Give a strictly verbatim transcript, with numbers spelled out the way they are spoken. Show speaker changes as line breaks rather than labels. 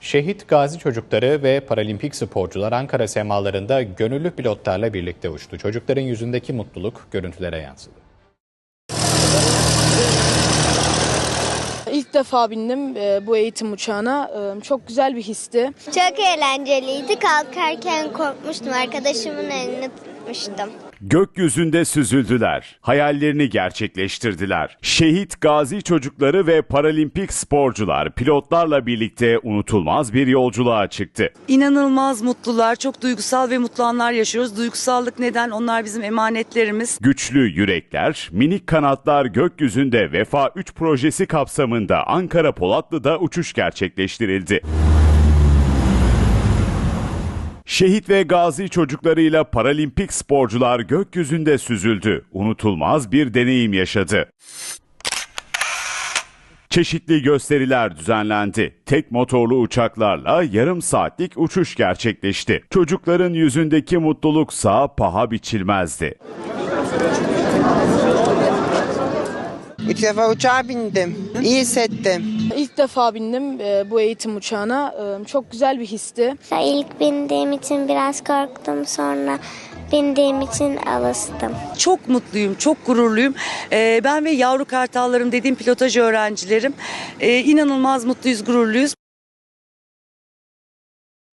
Şehit gazi çocukları ve paralimpik sporcular Ankara semalarında gönüllü pilotlarla birlikte uçtu. Çocukların yüzündeki mutluluk görüntülere yansıdı.
İlk defa bindim bu eğitim uçağına. Çok güzel bir histi.
Çok eğlenceliydi. Kalkarken korkmuştum. Arkadaşımın elini tutmuştum.
Gökyüzünde süzüldüler, hayallerini gerçekleştirdiler. Şehit gazi çocukları ve paralimpik sporcular pilotlarla birlikte unutulmaz bir yolculuğa çıktı.
İnanılmaz mutlular, çok duygusal ve mutlu anlar yaşıyoruz. Duygusallık neden? Onlar bizim emanetlerimiz.
Güçlü yürekler, minik kanatlar gökyüzünde Vefa üç projesi kapsamında Ankara Polatlı'da uçuş gerçekleştirildi. Şehit ve gazi çocuklarıyla paralimpik sporcular gökyüzünde süzüldü. Unutulmaz bir deneyim yaşadı. Çeşitli gösteriler düzenlendi. Tek motorlu uçaklarla yarım saatlik uçuş gerçekleşti. Çocukların yüzündeki mutluluksa paha biçilmezdi.
Üç defa uçağa bindim. İyi hissettim.
İlk defa bindim bu eğitim uçağına. Çok güzel bir histi.
İlk bindiğim için biraz korktum. Sonra bindiğim için alıştım.
Çok mutluyum, çok gururluyum. Ee, ben ve yavru kartallarım dediğim pilotaj öğrencilerim. Ee, inanılmaz mutluyuz, gururluyuz.